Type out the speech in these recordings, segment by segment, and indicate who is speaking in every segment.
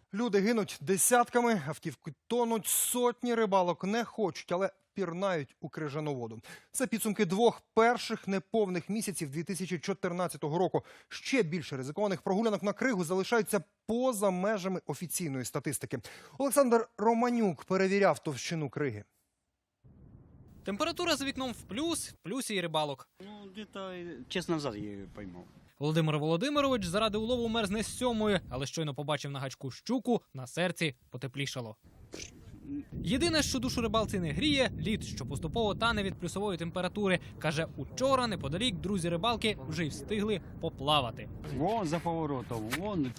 Speaker 1: Люди гинуть десятками, автівки тонуть, сотні рибалок не хочуть, але пірнають у крижану воду. Це підсумки двох перших неповних місяців 2014 року. Ще більше ризикованих прогулянок на кригу залишаються поза межами офіційної статистики. Олександр Романюк перевіряв товщину криги.
Speaker 2: Температура за вікном в плюсі і рибалок.
Speaker 3: Где-то час назад я ее поймал.
Speaker 2: Володимир Володимирович заради улову мерзне з 7-ї, але щойно побачив на гачку щуку, на серці потеплішало. Єдине, що душу рибалці не гріє – лід, що поступово тане від плюсової температури. Каже, учора неподалік друзі рибалки вже й встигли поплавати.
Speaker 3: Вон за поворотом, вон.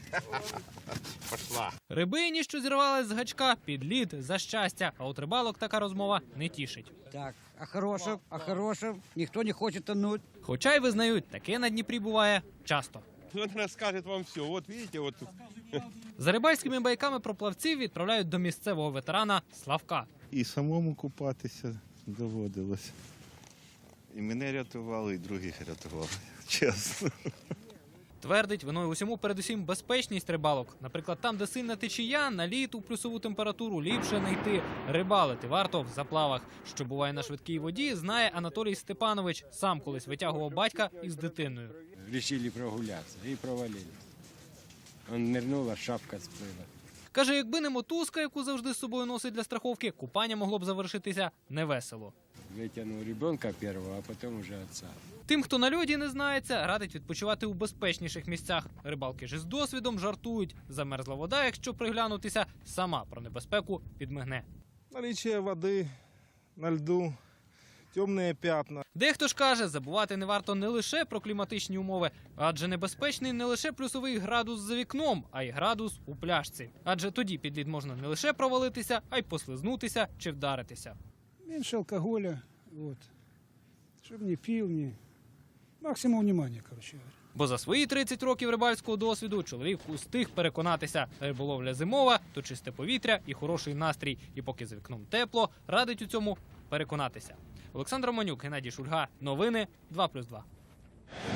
Speaker 2: Рибині, що зірвались з гачка, під лід за щастя. А от рибалок така розмова не тішить.
Speaker 4: Так, а хорошим, никто не хочет тонуть.
Speaker 2: Хоча й визнають, таке на Дніпрі буває часто.
Speaker 5: Он расскажет вам все. Вот видите, вот тут.
Speaker 2: За рибальськими байками про плавців відправляють до місцевого ветерана Славка.
Speaker 6: І самому купатися доводилось. І мене рятували, і других рятували, чесно.
Speaker 2: Твердить, виною усьому передусім безпечність рибалок. Наприклад, там, де сильна течія, на лід у плюсову температуру ліпше не йти. Рибалити варто в заплавах. Що буває на швидкій воді, знає Анатолій Степанович. Сам колись витягував батька із дитиною.
Speaker 3: Решили прогуляться и провалились. Он нырнул, а шапка сплыла.
Speaker 2: Каже, якби не мотузка, яку завжди з собою носить для страховки, купання могло б завершитися невесело.
Speaker 3: Вытянул ребенка первого, а потом уже отца.
Speaker 2: Тим, хто на льоді не знається, радить відпочивати у безпечніших місцях. Рибалки ж із досвідом жартують. Замерзла вода, якщо приглянутися, сама про небезпеку підмигне.
Speaker 7: Наличие воды на льду, темные пятна.
Speaker 2: Дехто ж каже, забувати не варто не лише про кліматичні умови, адже небезпечний не лише плюсовий градус за вікном, а й градус у пляшці. Адже тоді під лід можна не лише провалитися, а й послизнутися чи вдаритися.
Speaker 8: Меньше алкоголя, вот. Чтобы не пил, не... Максимум внимания, короче говоря.
Speaker 2: Бо за свої 30 років рибальського досвіду чоловік устиг переконатися, риболовля зимова, то чисте повітря і хороший настрій. І поки за вікном тепло, радить у цьому переконатися. Олександр Романюк, Геннадій Шульга. Новини 2+2.